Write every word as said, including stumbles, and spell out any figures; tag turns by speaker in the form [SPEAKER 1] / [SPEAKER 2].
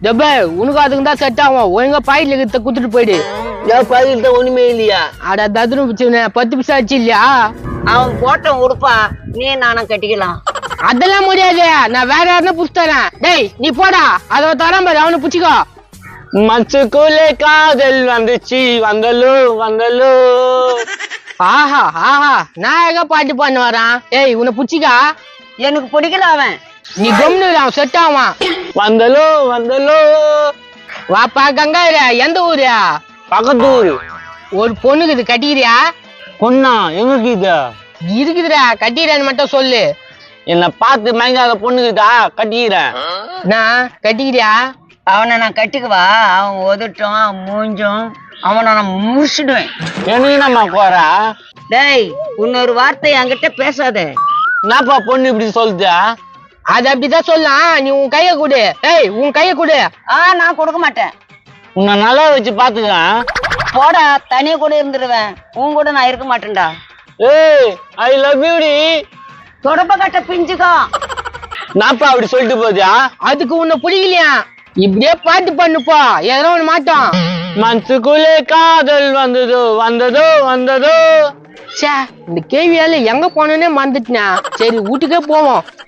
[SPEAKER 1] டப்பே உனக்கு அதுக்கு தான் செட் ஆகும். ஒழுங்கா பாயில கிட்ட குத்துட்டு போயிடு.
[SPEAKER 2] ஏன் பாயில்ட்ட ஒண்ணுமே இல்லையா?
[SPEAKER 1] அட ததுரு பிச்சுனே பத்து பிசா ஆச்சு இல்லையா?
[SPEAKER 3] அவன் போட்டோம் உடுப்பா, நீ நானும் கட்டிக்கலாம்.
[SPEAKER 1] அதெல்லாம் முடியாது, நான் வேற யாருன்னா புடிச்சு தரேன். டேய் நீ போடா, அதை தரேன் பாரு, அவனை புடிச்சுக்கோ.
[SPEAKER 2] மனசுக்குள்ளே காதல் வந்துச்சு, வந்தலோ வந்தலோ.
[SPEAKER 1] ஆஹா ஆஹா, நான் எங்க பாட்டு பண்ண வரான். ஏய் உன்னை புடிச்சிக்கா.
[SPEAKER 3] எனக்கு பிடிக்கல அவன்.
[SPEAKER 1] நீ கம்னு அவன் செட் ஆவான்.
[SPEAKER 2] வந்தலோ வந்தலோ.
[SPEAKER 1] வாப்பா கங்காயிர, எந்த ஊரு?
[SPEAKER 2] பக்கத்து ஊரு.
[SPEAKER 1] ஒரு பொண்ணுக்கு இது கட்டிக்கிறியா?
[SPEAKER 2] பொண்ணா? எங்களுக்கு இது
[SPEAKER 1] இருக்குதுடா, கட்டிக்கிறேன்னு மட்டும் சொல்லு.
[SPEAKER 2] என்ன பார்த்து மயங்காத பொண்ணுக்குதா கட்டிக்கிறேன்.
[SPEAKER 1] நான் கட்டிக்கிறியா?
[SPEAKER 3] அவனை நான் கட்டிக்குவா, அவன் ஒதுட்டும் மூஞ்சும் அவனை நான் முடிச்சிடுவேன்.
[SPEAKER 2] எனக்கு நம்ம போறா.
[SPEAKER 3] டேய் இன்னொரு வார்த்தை என்கிட்ட பேசாத.
[SPEAKER 2] என்னப்பா பொண்ணு இப்படி சொல்லுதா?
[SPEAKER 1] அது அப்படிதான் சொல்லலாம். நீ உன் கைய கொடு. ஏய் உன் கைய கொடு.
[SPEAKER 3] ஆ நான் கொடுக்க மாட்டேன்.
[SPEAKER 2] உன்னை நல்லா வச்சு பாத்துக்கலாம்.
[SPEAKER 3] போடா, தனியா கூட இருந்துருவேன், உன் கூட நான் இருக்க மாட்டேன்டா.
[SPEAKER 2] ஏய் ஐ லவ் யூ டி.
[SPEAKER 3] தொடப்ப கட்ட பிஞ்சுக்கோ.
[SPEAKER 2] நாப்பா அப்படி சொல்லிட்டு போதியா?
[SPEAKER 1] அதுக்கு உன்னை பிடிக்கலையா? இப்படியே பாட்டு பண்ணுப்பா, எதனா ஒண்ணு மாட்டோம்.
[SPEAKER 2] மனசுக்குள்ளே காதல் வந்ததோ வந்ததோ வந்ததோ.
[SPEAKER 1] சே, இந்த கேள்வியால எங்க போனோன்னே மறந்துட்டேன். சரி வீட்டுக்கே போவோம்.